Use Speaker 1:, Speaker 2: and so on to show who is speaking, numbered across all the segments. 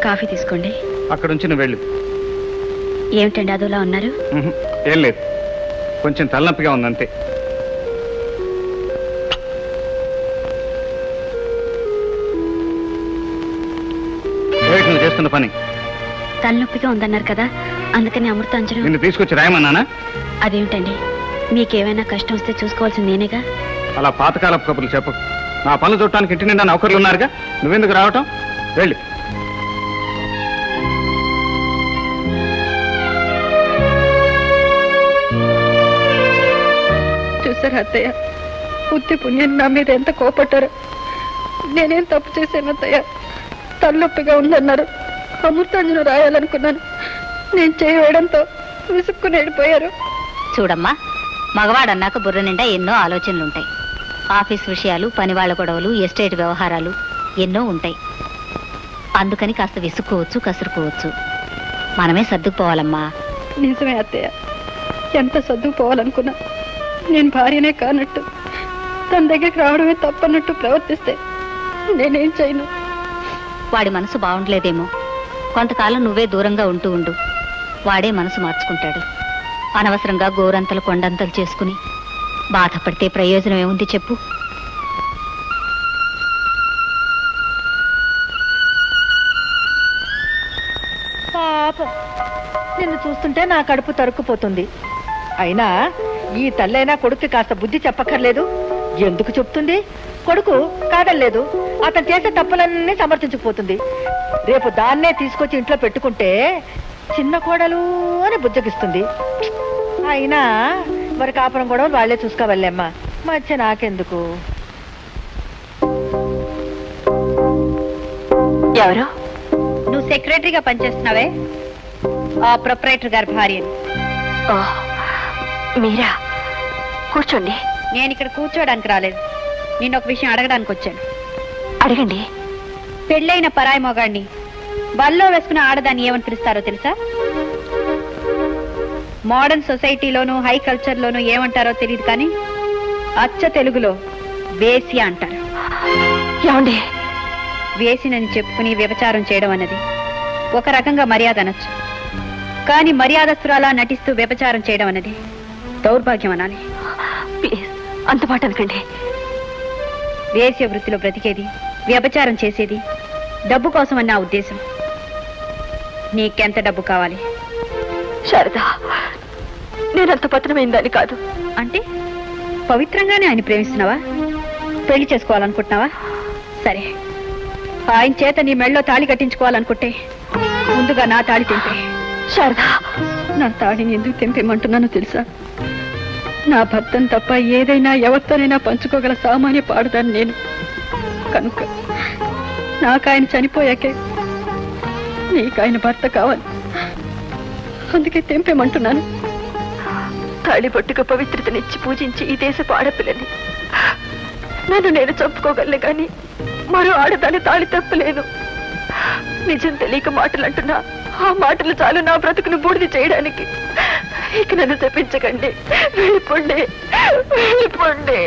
Speaker 1: Coffee తీసుకోండి.
Speaker 2: అక్కడ నుంచి నువ్వు వెళ్ళు.
Speaker 1: ఏమిటండి అదోలా ఉన్నారు?
Speaker 2: ఏం లేదు, కొంచెం తలనొప్పిగా ఉందంతే. ఏమిటి నువ్వు చేస్తున్న పని?
Speaker 1: తలనొప్పిగా ఉందన్నారు కదా, అందుకని అమృతాంజనం.
Speaker 2: నిన్ను తీసుకొచ్చి రాయమన్నానా?
Speaker 1: అదేమిటండి, మీకేమైనా కష్టం వస్తే చూసుకోవాల్సింది నేనేగా.
Speaker 2: అలా పాతకాలపు కబుర్లు చెప్పు. నా పనులు చూడటానికి ఇంటి నిండా నౌకర్లు ఉన్నారుగా, నువ్వెందుకు రావటం? వెళ్ళి.
Speaker 3: చూసారు అత్తయ్య, బుద్ధి పుణ్యం నా మీద ఎంత కోపట్టారు. నేనేం తప్పు చేశాను అత్తయ్య? తలనొప్పిగా ఉందన్నారు, అమృతాంజనం రాయాలనుకున్నాను. నేను చేయడంతో విసుక్కుని వెళ్ళిపోయారు.
Speaker 4: చూడమ్మా, మగవాడన్నాక బుర్ర నిండా ఎన్నో ఆలోచనలుంటాయి. ఆఫీస్ విషయాలు, పనివాళ్ల గొడవలు, ఎస్టేట్ వ్యవహారాలు ఎన్నో ఉంటాయి. అందుకని కాస్త విసుక్కోవచ్చు, కసురుకోవచ్చు. మనమే సర్దుకుపోవాలమ్మా.
Speaker 3: నిజమే అత్తయ్య, ఎంత సర్దుకుపోవాలనుకున్నా నేను భార్యనే కానట్టు, తన దగ్గరికి రావడమే తప్పన్నట్టు ప్రవర్తిస్తే నేనేం చేయను.
Speaker 4: వాడి మనసు బాగుండలేదేమో, కొంతకాలం నువ్వే దూరంగా ఉంటూ ఉండు. వాడే మనసు మార్చుకుంటాడు. అనవసరంగా గోరంతలు కొండంతలు చేసుకుని బాధపడితే ప్రయోజనం ఏముంది చెప్పు?
Speaker 3: పాపం, నిన్ను చూస్తుంటే నా కడుపు తరుక్కుపోతుంది. అయినా ఈ తల్లైనా కొడుకు కాస్త బుద్ధి చెప్పక్కర్లేదు. ఎందుకు చెప్తుంది? కొడుకు కాదలేదు, అతను చేసే తప్పులన్నీ సమర్థించుకుపోతుంది. రేపు దాన్నే తీసుకొచ్చి ఇంట్లో పెట్టుకుంటే చిన్న కోడలు అని బుజ్జగిస్తుంది. అయినా మరి కాపురం కూడా వాళ్లే చూసుకోవాలేమ్మా, మధ్య నాకెందుకు?
Speaker 4: ఎవరు?
Speaker 1: నువ్వు సెక్రటరీగా పనిచేస్తున్నావే, ఆ ప్రొపరేటర్ గారి భార్యని.
Speaker 4: మీరా? కూర్చోండి.
Speaker 1: నేను ఇక్కడ కూర్చోడానికి రాలేదు, నేను ఒక విషయం అడగడానికి వచ్చాను.
Speaker 4: అడగండి.
Speaker 1: పెళ్ళైన పరాయి మొగాడిని బల్లో వేసుకున్న ఆడదాన్ని ఏమని పిలుస్తారో తెలుసా? మోడర్న్ సొసైటీలోనూ హై కల్చర్లోనూ ఏమంటారో తెలియదు, కానీ అచ్చ తెలుగులో వేసి అంటారు.
Speaker 4: ఏమండి?
Speaker 1: వేసినని చెప్పుకుని వ్యభిచారం చేయడం అన్నది ఒక రకంగా మర్యాద అనొచ్చు, కానీ మర్యాదస్తురాలా నటిస్తూ వ్యభిచారం చేయడం అన్నది దౌర్భాగ్యం అనాలి.
Speaker 4: ప్లీజ్ అంత మాట అనకండి.
Speaker 1: వేశ్య వృత్తిలో బ్రతికేది, వ్యభిచారం చేసేది డబ్బు కోసం అని నా ఉద్దేశం. నీకెంత డబ్బు కావాలి?
Speaker 4: శారదా, నేనంత పతనమైందని కాదు.
Speaker 1: అంటే పవిత్రంగానే ఆయన ప్రేమిస్తున్నావా? పెళ్లి చేసుకోవాలనుకుంటున్నావా? సరే, ఆయన చేత నీ మెళ్ళలో తాళి కట్టించుకోవాలనుకుంటే ముందుగా నా తాళి తెంపే.
Speaker 4: శారదా,
Speaker 3: నా తాళిని ఎందుకు తెంపేమంటున్నానో తెలుసా? నా భర్తను తప్ప ఏదైనా ఎవరితోనైనా పంచుకోగల సామాన్య పాడదాన్ని నేను. కనుక నాకు ఆయన చనిపోయాకే నీకు ఆయన భర్త కావాలి, అందుకే తెంపేమంటున్నాను.
Speaker 4: తాళి పట్టుకు పవిత్రతనిచ్చి పూజించి ఈ దేశపు ఆడపిల్లని నన్ను నేను చంపుకోగలను, కానీ మరో ఆడదాన్ని తాళి తప్పలేను. నిజం తెలియక మాటలు అంటున్నా, ఆ మాటలు చాలు నా బ్రతుకును బూడిద చేయడానికి. ఇక నన్ను తప్పించకండి, వెళ్ళిపోండి, వెళ్ళిపోండి.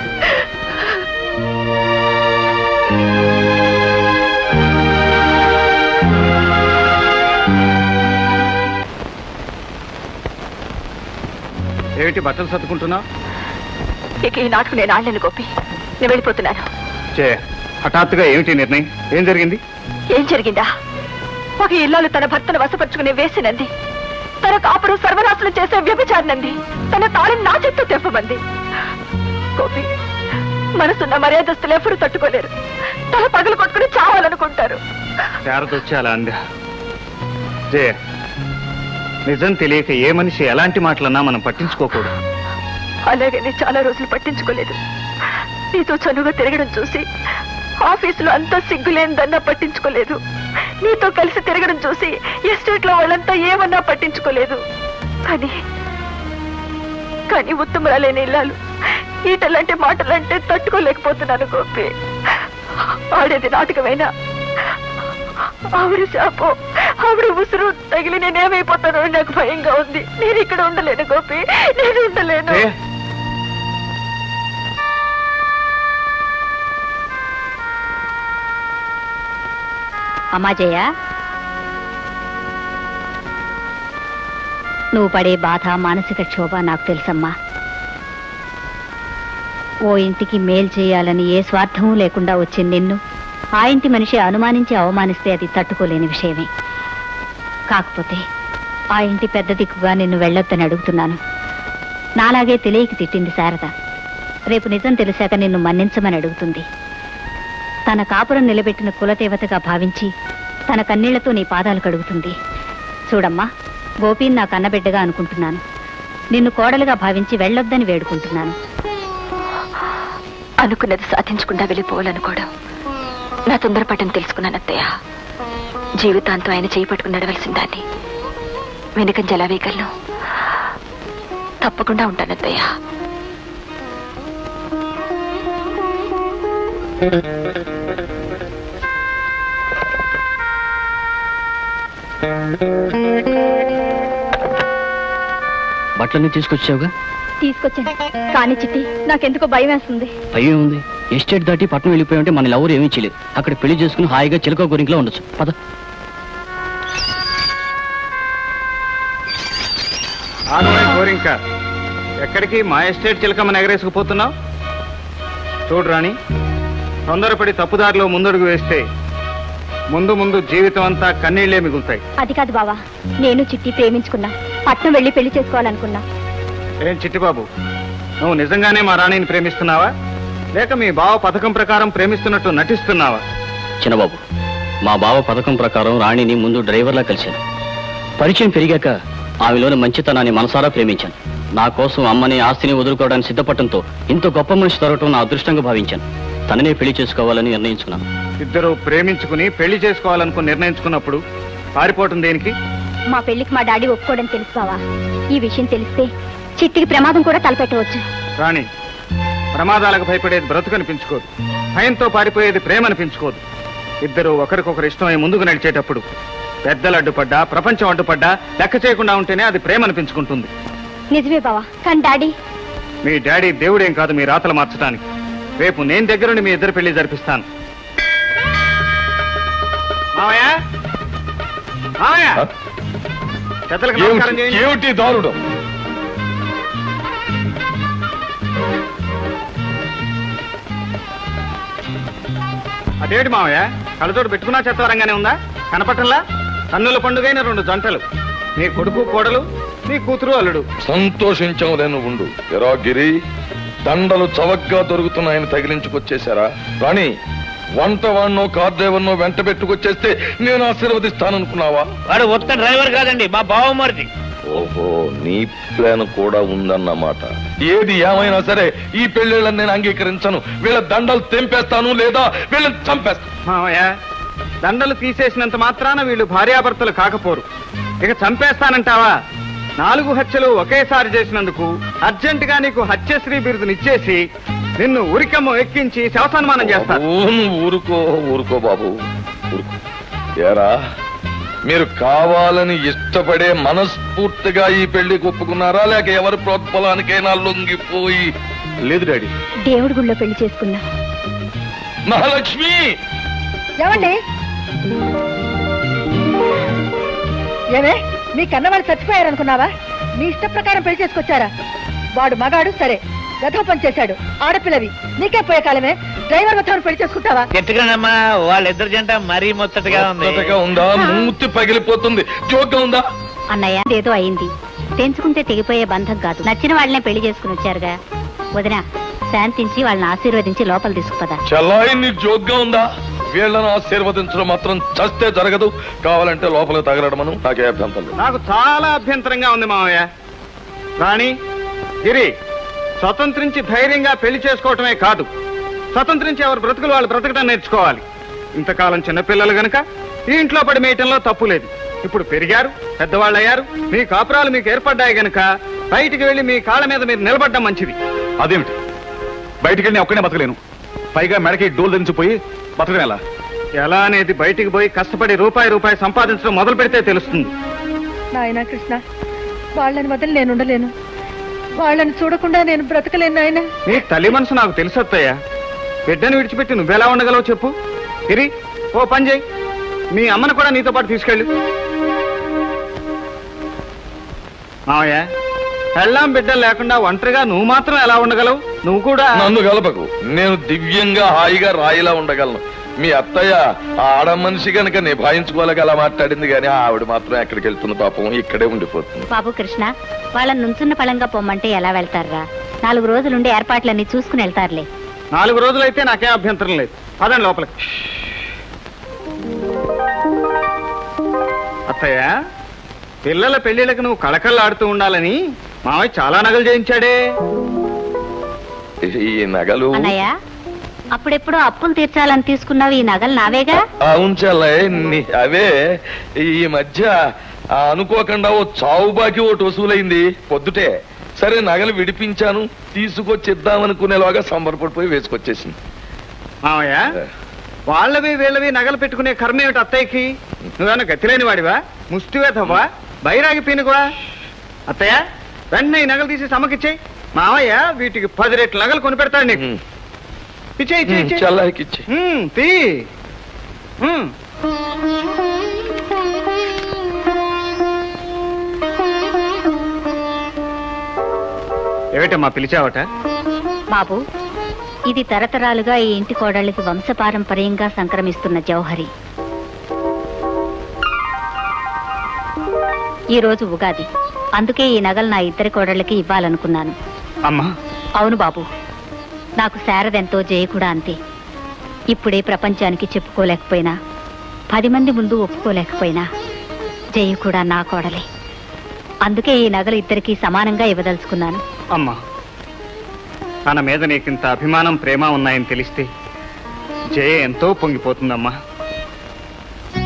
Speaker 2: ఏమిటి బట్టలు సర్దుకుంటున్నావు?
Speaker 4: ఇక ఈ నాటకు నేను ఆడలేను గోపి, నేను వెళ్ళిపోతున్నాను.
Speaker 2: హఠాత్తుగా ఏమిటి నిర్ణయం? ఏం జరిగింది?
Speaker 4: ఏం జరిగిందా? ఒక ఇల్లాలు తన భర్తను వశపరుచుకునే వేసినంది, తన కాపురం సర్వనాశనం చేసే వ్యభిచారినంది, తన తాళిని నా చేత్తో తెంపమంది. గోపి, మనసున్న మర్యాదస్తులు ఎవరు తట్టుకోలేరు. తల పగలు కొట్టుకుని చావాలనుకుంటారు.
Speaker 2: శారదొచ్చి అలా అందా? జయ, నిజం తెలియక ఏ మనిషి ఎలాంటి మాటలన్నా మనం పట్టించుకోకూడదు.
Speaker 4: అలాగే నేను చాలా రోజులు పట్టించుకోలేదు. నీతో చనువుగా తిరగడం చూసి ఆఫీసులో అంతా సిగ్గులేనిదన్నా పట్టించుకోలేదు. నీతో కలిసి తిరగడం చూసి ఎస్టేట్ లో వాళ్ళంతా ఏమన్నా పట్టించుకోలేదు. కానీ ఉత్తమరాలేని ఇల్లాలు ఈటలాంటి మాటలంటే తట్టుకోలేకపోతున్నాను గోపి. ఆడేది నాటకమైనా ఆవిడ శాపో, ఆవిడ ఉసురు తగిలి నేనేమైపోతానో నాకు భయంగా ఉంది. నేను ఇక్కడ ఉండలేను గోపి, నేను ఉండలేను. అమ్మా జయ,
Speaker 1: నువ్వు పడే బాధ మానసిక క్షోభ నాకు తెలుసమ్మా. ఓ ఇంటికి మేలు చేయాలని ఏ స్వార్థమూ లేకుండా వచ్చిన నిన్ను ఆ ఇంటి మనిషి అనుమానించి అవమానిస్తే అది తట్టుకోలేని విషయమే. కాకపోతే ఆ ఇంటి పెద్ద దిక్కుగా నిన్ను వెళ్ళొద్దని అడుగుతున్నాను. నాలాగే తెలియక తిట్టింది శారద. రేపు నిజం తెలిసాక నిన్ను మన్నించమని అడుగుతుంది. తన కాపురం నిలబెట్టిన కులదేవతగా భావించి తన కన్నీళ్లతో నీ పాదాలు కడుగుతుంది. చూడమ్మా, గోపీని నా కన్నబిడ్డగా అనుకుంటున్నాను. నిన్ను కోడలుగా భావించి వెళ్ళొద్దని వేడుకుంటున్నాను.
Speaker 4: అనుకున్నది సాధించకుండా వెళ్ళిపోవాలనుకోవడం నా తొందరపాటని తెలుసుకున్నాను అత్తయ్య. జీవితాంతం ఆయన చేయి పట్టుకుని నడవలసిన దాన్ని వెనుకంజ ఎలా వేయగలను? తప్పకుండా ఉంటాను అత్తయ్య.
Speaker 5: బట్టలన్నీ తీసుకొచ్చావుగా?
Speaker 1: తీసుకొచ్చాను, కానీ చిట్టి నాకెందుకో భయం వేస్తుంది.
Speaker 5: భయం ఉంది. ఎస్టేట్ దాటి పట్టణం వెళ్ళిపోయామంటే మన ఎవరు ఏమీ చేయలేదు. అక్కడ పెళ్లి చేసుకుని హాయిగా చిలక గురింట్లో ఉండొచ్చు. పద.
Speaker 2: గోరింక, ఎక్కడికి మా ఎస్టేట్ చిలకమ్మని ఎగరేసుకుపోతున్నావు? చూడు రాణి, తొందరపడి తప్పుదారిలో ముందడుగు వేస్తే ముందు ముందు జీవితం అంతా కన్నీళ్లే మిగులుతాయి.
Speaker 1: అది కాదు బావా, నేను చిట్టి ప్రేమించుకున్నా. పట్నం వెళ్ళి పెళ్లి చేసుకోవాలనుకున్నా.
Speaker 2: ఏం చిట్టిబాబు, నువ్వు నిజంగానే మా రాణిని ప్రేమిస్తున్నావా, లేక మీ బావ పథకం ప్రకారం ప్రేమిస్తున్నట్టు నటిస్తున్నావా?
Speaker 5: చిన్నబాబు, మా బావ పథకం ప్రకారం రాణిని ముందు డ్రైవర్లా కలిశాను. పరిచయం పెరిగాక ఆమెలోని మంచితనాన్ని మనసారా ప్రేమించాను. నా కోసం అమ్మని ఆస్తిని వదులుకోవడానికి సిద్ధపడటంతో ఇంత గొప్ప మనిషి దొరకటం నా అదృష్టంగా భావించాను. తననే పెళ్లి చేసుకోవాలని నిర్ణయించుకున్నాను.
Speaker 2: ఇద్దరు ప్రేమించుకుని పెళ్లి చేసుకోవాలనుకుని నిర్ణయించుకున్నప్పుడు పారిపోవటం దేనికి?
Speaker 1: మా పెళ్లికి మా డాడీ ఒప్పుకోవడం తెలుసు బావా. ఈ విషయం తెలిస్తే చిట్టికి ప్రమాదం కూడా తలపెట్టవచ్చు.
Speaker 2: రాణి, ప్రమాదాలకు భయపడేది బ్రతుకనిపించుకోదు, భయంతో పారిపోయేది ప్రేమ అనిపించుకోదు. ఇద్దరు ఒకరికొకరు ఇష్టమై ముందుకు నడిచేటప్పుడు పెద్దలు అడ్డుపడ్డా, ప్రపంచం అడ్డుపడ్డా లెక్క చేయకుండా ఉంటేనే అది ప్రేమ అనిపించుకుంటుంది.
Speaker 1: నిజమే బావా, కానీ డాడీ
Speaker 2: మీ డాడీ దేవుడేం కాదు మీ రాతలు మార్చడానికి. రేపు నేను దగ్గరుండి మీ ఇద్దరు పెళ్లి జరిపిస్తాను. మావయ్య, మావయ్య, పెద్దలకు నమస్కారం చేయండి.
Speaker 6: ఏమిటి దారుణం?
Speaker 2: అదేంటి మావయ్య, కళ్ళతోటి పెట్టుకున్నా చెత్తవరంగానే ఉందా? కనపట్టంలా కన్నుల పండుగైన రెండు జంటలు, నీ కొడుకు కోడలు, నీ కూతురు అల్లుడు.
Speaker 6: సంతోషించావు నేను ఉండు. ఎరా గిరి, దండలు చవగ్గా దొరుకుతున్నాయని తగిలించుకొచ్చేశారా? రాణి, వంట వాడినో కార్ డ్రైవర్నో వెంట పెట్టుకొచ్చేస్తే నేను ఆశీర్వదిస్తాననుకున్నావా?
Speaker 7: వాడు ఒక్క డ్రైవర్ కాదండి, మా బావమరిది.
Speaker 6: ఓహో, నీ ప్లాన్ కూడా ఉందన్నమాట. ఏది ఏమైనా సరే ఈ పెళ్లిళ్ళని నేను అంగీకరించను. వీళ్ళ దండలు తెంపేస్తాను, లేదా వీళ్ళని చంపేస్తాను.
Speaker 2: మావయ్య, దండలు తీసేసినంత మాత్రాన వీళ్ళు భార్యాభర్తలు కాకపోరు. ఇక చంపేస్తానంటావా? 4 హత్యలు ఒకేసారి చేసినందుకు అర్జెంటుగా నీకు హత్యశ్రీ బిరుదునిచ్చేసి నిన్ను ఉరికమ్మ ఎక్కించి శవసన్మానం చేస్తాను.
Speaker 6: నువ్వు ఊరుకో ఊరుకో బాబు, ఊరుకో. ఏరా, మీరు కావాలని ఇష్టపడే మనస్ఫూర్తిగా ఈ పెళ్లికి ఒప్పుకున్నారా, లేక ఎవరి ప్రోత్బలానికైనా లొంగిపోయి?
Speaker 2: లేదు డాడీ,
Speaker 1: దేవుడి గుళ్ళో పెళ్లి చేసుకున్నా.
Speaker 6: మహాలక్ష్మి,
Speaker 3: ఏమండి? ఏమే, మీ కన్నవాళ్ళు చచ్చిపోయారనుకున్నావా? మీ ఇష్ట ప్రకారం పెళ్లి చేసుకొచ్చారా? వాడు మగాడు సరే, గతం పని చేశాడు. ఆడపిల్లవి, నీకే పోయే కాలమే. డ్రైవర్ మొత్తం పెళ్లి చేసుకుంటావా?
Speaker 7: ఎట్టుగానమ్మా, వాళ్ళిద్దరు జంట మరీ ముచ్చటగా ఉంది.
Speaker 6: కొత్తగా ఉందా? మూతి పగిలిపోతుంది. జోక్గా ఉందా?
Speaker 1: అన్నయ్య, ఏదో అయింది. తెంచుకుంటే తెగిపోయే బంధం కాదు. నచ్చిన వాళ్ళనే పెళ్లి చేసుకుని వచ్చారుగా. వదినా, శాంతించి వాళ్ళని ఆశీర్వదించి లోపల తీసుకుపదా.
Speaker 6: చల్లాయి, నీకు జోక్గా ఉందా? వీళ్ళను ఆశీర్వదించడం మాత్రం చస్తే జరగదు. కావాలంటే లోపలికి తగలడమను. నాకే అభ్యంతరం లేదు.
Speaker 2: నాకు చాలా అభ్యంతరంగా ఉంది మావయ్య. రాణి, గిరి, స్వతంత్రించి ధైర్యంగా పెళ్లి చేసుకోవటమే కాదు, స్వతంత్రించి ఎవరు బ్రతుకులు వాళ్ళు బ్రతకడం నేర్చుకోవాలి. ఇంతకాలం చిన్నపిల్లలు గనక ఈ ఇంట్లో పడి మేయటంలో తప్పు లేదు. ఇప్పుడు పెరిగారు, పెద్దవాళ్ళు అయ్యారు, మీ కాపురాలు మీకు ఏర్పడ్డాయి గనక బయటికి వెళ్ళి మీ కాళ్ళ మీద మీరు నిలబడ్డం మంచిది.
Speaker 8: అదేమిటి, బయటికి వెళ్ళి ఒక్కనే బతకలేను, పైగా మెడకి డోలు దించిపోయి బతకడం ఎలా?
Speaker 2: ఎలా అనేది బయటికి పోయి కష్టపడి రూపాయి సంపాదించడం మొదలు పెడితే తెలుస్తుంది.
Speaker 3: నాయనా కృష్ణ, వాళ్ళని వదిలి నేను ఉండలేను. వాళ్ళని చూడకుండా నేను బ్రతకలేను నాయన.
Speaker 2: నీ తల్లి మనసు నాకు తెలుసత్తయ్యా. బిడ్డను విడిచిపెట్టి నువ్వెలా ఉండగలవు చెప్పు. గిరి, ఓ పని చేయి, మీ అమ్మను కూడా నీతో పాటు తీసుకెళ్ళు. మావయ్య పెళ్ళాం బిడ్డలు లేకుండా ఒంటరిగా నువ్వు మాత్రం ఎలా ఉండగలవు? నువ్వు కూడా
Speaker 6: నన్ను కలపకు. నేను దివ్యంగా హాయిగా రాయిలా ఉండగలను. మీ అత్తయ్య ఆ ఆడ మనిషి గనక నిభాయించుకోలేక అలా మాట్లాడింది, కానీ ఆవిడ మాత్రం ఎక్కడికి వెళ్తుంది పాపం, ఇక్కడే ఉండిపోతుంది.
Speaker 1: బాబు కృష్ణ, వాళ్ళని నుంచున్న పళంగా పొమ్మంటే ఎలా వెళ్తారా? 4 రోజులుండి ఏర్పాట్లన్నీ చూసుకుని వెళ్తారులే.
Speaker 2: 4 రోజులైతే నాకేం అభ్యంతరం లేదు. పదండి లోపలికి. అత్తయ్య, పిల్లల పెళ్లిళ్ళకి నువ్వు కళకళలాడుతూ ఉండాలని మావయ్య చాలా నగలు చేయించాడే.
Speaker 6: ఈ నగలు
Speaker 1: అన్నయ్య, అప్పుడెప్పుడో అప్పులు తీర్చాలని తీసుకున్నావు, ఈ నగలు నావేగా?
Speaker 6: అవును చెల్లయ్య, అవే ఈ మధ్య అనుకోకుండా ఓ చావు బాకి ఒకటి వసూలైంది పొద్దుటే. సరే నగలు విడిపించాను, తీసుకొచ్చిద్దామనుకునేలాగా సంబరపడిపోయి వేసుకొచ్చేసింది.
Speaker 2: మావయ్య, వాళ్ళవి వీళ్ళవి నగలు పెట్టుకునే కర్మ ఏమిటి అత్తయ్యకి? నువ్వేమన్నా గతిలేని వాడివా? ముష్టివేధవా? బైరాగి పీనుగువా? అత్తయ్య, వెంటనే ఈ నగలు తీసి సమ్మకిచ్చేయి. మావయ్య వీటికి 10 రెట్లు నగలు కొని పెడతాడు నీకు. ఇచ్చేయి.
Speaker 6: చెల్లయ్యకి ఇచ్చి
Speaker 2: తీ. ఏమిటమ్మా పిలిచావట?
Speaker 1: బాబు, ఇది తరతరాలుగా ఈ ఇంటి కోడళ్ళకి వంశపారంపర్యంగా సంక్రమిస్తున్న జౌహరి. ఈ రోజు ఉగాది, అందుకే ఈ నగలు నా ఇద్దరి కోడళ్ళకి ఇవ్వాలనుకున్నాను.
Speaker 2: అమ్మా.
Speaker 1: అవును బాబు, నాకు శారదెంతో జయ కూడా అంతే. ఇప్పుడే ప్రపంచానికి చెప్పుకోలేకపోయినా, 10 మంది ముందు ఒప్పుకోలేకపోయినా, జయ కూడా నా కోడలే. అందుకే ఈ నగలు ఇద్దరికి సమానంగా ఇవ్వదలుచుకున్నాను.
Speaker 2: అమ్మా, తన మీద నీకింత అభిమానం ప్రేమ ఉన్నాయని తెలిస్తే జయ ఎంతో పొంగిపోతుందమ్మా.